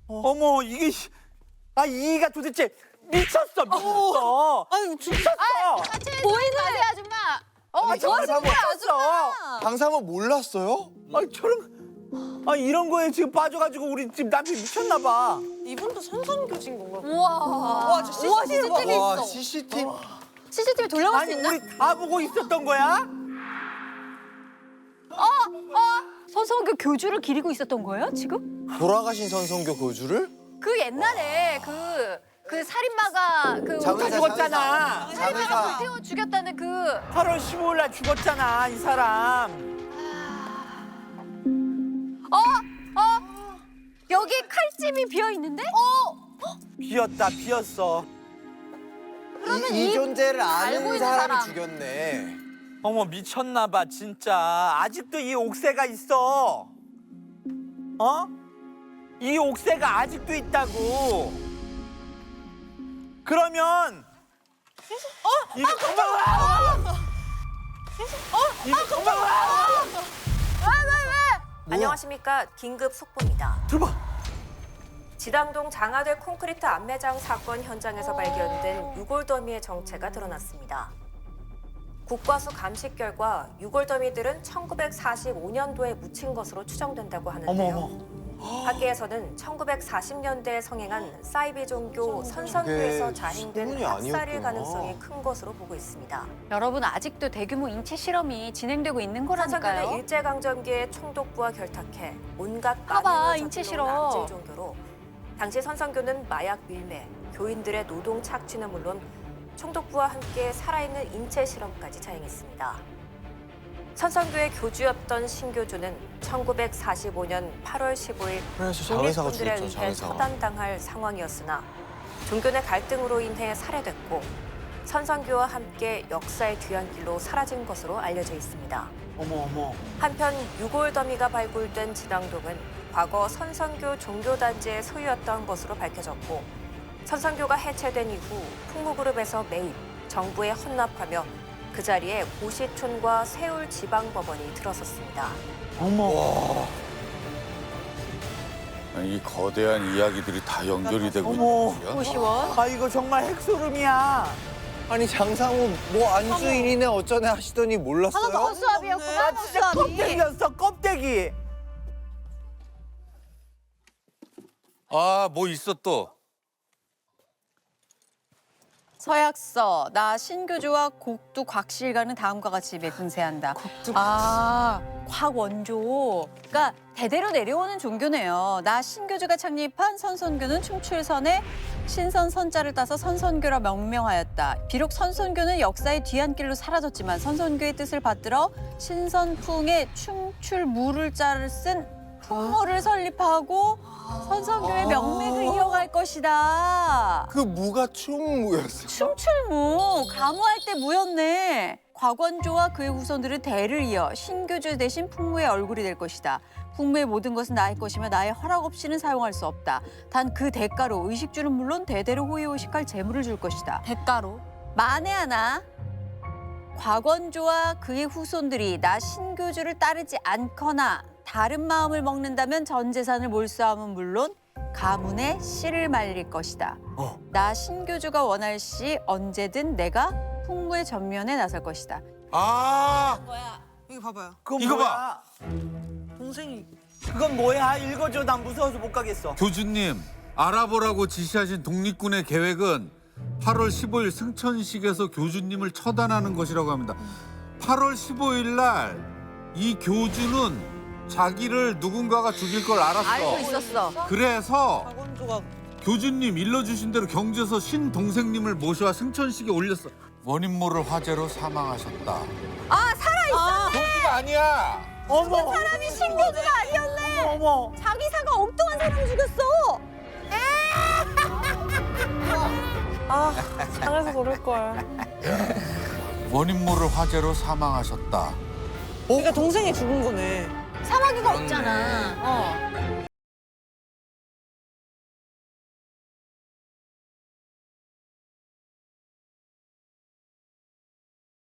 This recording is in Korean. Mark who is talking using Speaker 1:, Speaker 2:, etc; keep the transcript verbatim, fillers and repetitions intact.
Speaker 1: 어머 이게 씨- 아 이가 도대체 미쳤어 미쳤어.
Speaker 2: 아유 진짜.
Speaker 1: 미쳤어.
Speaker 3: 보이는 애 아줌마. 어,
Speaker 1: 아, 정말
Speaker 3: 저승
Speaker 1: 미쳤어.
Speaker 4: 방사모 몰랐어요?
Speaker 1: 아 저런 아 이런 거에 지금 빠져가지고 우리 집 남편 미쳤나 봐.
Speaker 2: 이분도 선선교진 건가?
Speaker 3: 우와.
Speaker 2: 와, 저 씨씨티비
Speaker 4: 와
Speaker 2: 있어.
Speaker 4: 씨씨티비.
Speaker 3: 씨씨티비 돌려볼
Speaker 1: 아니
Speaker 3: 수 있나?
Speaker 1: 우리 다 보고 있었던 거야?
Speaker 3: 서성교 교주를 기리고 있었던 거예요, 지금?
Speaker 4: 돌아가신 선선교 교주를?
Speaker 3: 그 옛날에 그, 그 살인마가 그
Speaker 4: 장의사,
Speaker 1: 죽었잖아.
Speaker 4: 장의사.
Speaker 3: 태워 죽였다는 그
Speaker 1: 팔월 십오일 날 죽었잖아 이 사람.
Speaker 3: 어? 어? 여기 칼집이 비어 있는데? 어?
Speaker 1: 비었다 비었어.
Speaker 3: 그러면
Speaker 4: 이, 이
Speaker 3: 이
Speaker 4: 존재를
Speaker 3: 알고
Speaker 4: 아는
Speaker 3: 있는
Speaker 4: 사람이
Speaker 3: 사람.
Speaker 4: 죽였네.
Speaker 1: 어머 미쳤나 봐 진짜. 아직도 이 옥새가 있어. 어? 이 옥새가 아직도 있다고. 그러면 어? 이거 그만 와! 어? 이거 그만 와!
Speaker 5: 안녕하십니까. 긴급 속보입니다.
Speaker 1: 들어봐.
Speaker 5: 지당동 장하들 콘크리트 안매장 사건 현장에서 발견된 유골더미의 정체가 드러났습니다. 국과수 감식 결과 유골더미들은 천구백사십오 년도에 묻힌 것으로 추정된다고 하는데요.
Speaker 1: 어머 어머.
Speaker 5: 학계에서는 천구백사십 년대에 성행한 사이비 종교 선선교에서
Speaker 4: 저게
Speaker 5: 자행된
Speaker 4: 소문이
Speaker 5: 학살일
Speaker 4: 아니었구나.
Speaker 5: 가능성이 큰 것으로 보고 있습니다.
Speaker 3: 여러분 아직도 대규모 인체 실험이 진행되고 있는
Speaker 5: 선선교는
Speaker 3: 거라니까요.
Speaker 5: 일제강점기에 총독부와 결탁해 온갖
Speaker 3: 봐봐,
Speaker 5: 만행을
Speaker 3: 인체
Speaker 5: 저지른
Speaker 3: 실험.
Speaker 5: 악질 종교로 당시 선선교는 마약 밀매, 교인들의 노동 착취는 물론 총독부와 함께 살아있는 인체 실험까지 자행했습니다. 선선교의 교주였던 신교주는 천구백사십오 년 팔월 십오일
Speaker 4: 그래서 장의사가
Speaker 5: 독립군들에
Speaker 4: 죽였죠,
Speaker 5: 의해
Speaker 4: 장의사가.
Speaker 5: 처단당할 상황이었으나 종교 내 갈등으로 인해 살해됐고 선선교와 함께 역사의 뒤안길로 사라진 것으로 알려져 있습니다.
Speaker 1: 어머 어머.
Speaker 5: 한편 유골더미가 발굴된 지당동은 과거 선선교 종교단지의 소유였던 것으로 밝혀졌고 선선교가 해체된 이후 풍무그룹에서 매입, 정부에 헌납하며 그 자리에 고시촌과 세울지방법원이 들어섰습니다.
Speaker 1: 어머.
Speaker 6: 이 거대한 이야기들이 다 연결이 되고
Speaker 1: 어머.
Speaker 6: 있는 거야?
Speaker 3: 고시원.
Speaker 1: 아 이거 정말 핵소름이야.
Speaker 4: 아니 장상우 뭐 안주인이네 어쩌네 하시더니 몰랐어요?
Speaker 3: 허수아비였구나.
Speaker 1: 나 진짜 껍데기였어 껍데기.
Speaker 6: 아, 뭐 있어 또?
Speaker 7: 서약서, 나 신교주와 곡두 곽실가는 다음과 같이 매분세한다. 아, 곽원조. 그러니까 대대로 내려오는 종교네요. 나 신교주가 창립한 선선교는 춤출선에 신선 선자를 따서 선선교라 명명하였다. 비록 선선교는 역사의 뒤안길로 사라졌지만 선선교의 뜻을 받들어 신선풍의 춤출무를 자를 쓴 풍모를 설립하고 선선교의 명맥을 이어갈 것이다.
Speaker 4: 그 무가 춤무였어요?
Speaker 7: 춤출무, 가무할 때 무였네. 곽원조와 그의 후손들은 대를 이어 신교주 대신 풍무의 얼굴이 될 것이다. 풍무의 모든 것은 나의 것이며 나의 허락 없이는 사용할 수 없다. 단 그 대가로 의식주는 물론 대대로 호의호식할 재물을 줄 것이다.
Speaker 3: 대가로.
Speaker 7: 만에 하나 곽원조와 그의 후손들이 나 신교주를 따르지 않거나 다른 마음을 먹는다면 전 재산을 몰수함은 물론 가문의 씨를 말릴 것이다.
Speaker 1: 어.
Speaker 7: 나 신교주가 원할 시 언제든 내가 풍무의 전면에 나설 것이다.
Speaker 6: 아,
Speaker 2: 이거 봐봐요.
Speaker 1: 그건
Speaker 6: 이거
Speaker 1: 뭐야?
Speaker 6: 봐.
Speaker 2: 동생이
Speaker 1: 그건 뭐야? 읽어줘. 난 무서워서 못 가겠어.
Speaker 6: 교주님, 알아보라고 지시하신 독립군의 계획은 팔월 십오일 승천식에서 교주님을 처단하는 것이라고 합니다. 팔월 십오일 날 이 교주는 자기를 누군가가 죽일 걸 알았어.
Speaker 7: 알고 있었어.
Speaker 6: 그래서
Speaker 2: 박원조가
Speaker 6: 교주님 일러주신 대로 경주에서 신동생님을 모셔와 승천식에 올렸어. 원인 모를 화재로 사망하셨다.
Speaker 7: 아, 살아있어.
Speaker 6: 교주가 아니야.
Speaker 1: 어머.
Speaker 7: 사람이 신교주가 아니었네.
Speaker 1: 어머.
Speaker 7: 자기사가 엉뚱한 사람 죽였어.
Speaker 2: 아 상해서 그럴 걸.
Speaker 6: 원인 모를 화재로 사망하셨다.
Speaker 2: 그러니까 동생이 죽은 거네.
Speaker 3: 사마귀가 없잖아. 어.